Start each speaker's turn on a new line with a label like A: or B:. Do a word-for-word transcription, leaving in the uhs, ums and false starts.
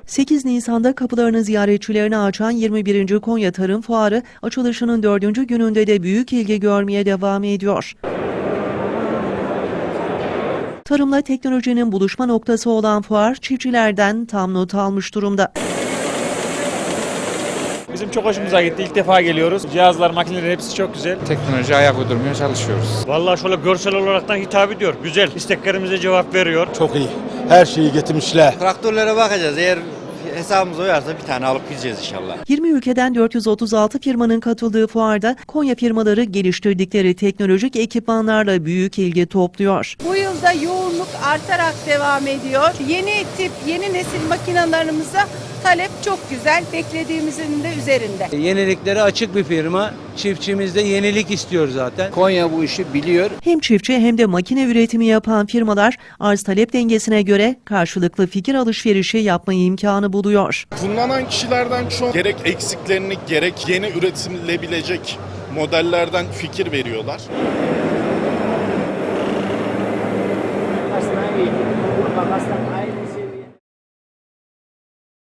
A: sekiz Nisan'da kapılarını ziyaretçilerine açan yirmi birinci Konya Tarım Fuarı açılışının dördüncü gününde de büyük ilgi görmeye devam ediyor. Tarımla teknolojinin buluşma noktası olan fuar çiftçilerden tam not almış durumda.
B: Bizim çok hoşumuza gitti. İlk defa geliyoruz. Cihazlar, makineler hepsi çok güzel.
C: Teknoloji ayak uydurmaya çalışıyoruz.
D: Vallahi şöyle görsel olaraktan hitap ediyor. Güzel. İsteklerimize cevap veriyor.
E: Çok iyi. Her şeyi getirmişler.
F: Traktörlere bakacağız. Eğer hesabımız uyarsa bir tane alıp gideceğiz inşallah.
A: yirmi ülkeden dört yüz otuz altı firmanın katıldığı fuarda Konya firmaları geliştirdikleri teknolojik ekipmanlarla büyük ilgi topluyor.
G: Bu yılda yoğunluk artarak devam ediyor. Yeni tip, yeni nesil makinalarımıza talep çok güzel. Beklediğimizin de üzerinde.
H: Yeniliklere açık bir firma. Çiftçimizde yenilik istiyor zaten.
C: Konya bu işi biliyor.
A: Hem çiftçi hem de makine üretimi yapan firmalar arz talep dengesine göre karşılıklı fikir alışverişi yapma imkanı buluyor.
I: Kullanan kişilerden çok gerek eksiklerini gerek yeni üretilebilecek modellerden fikir veriyorlar.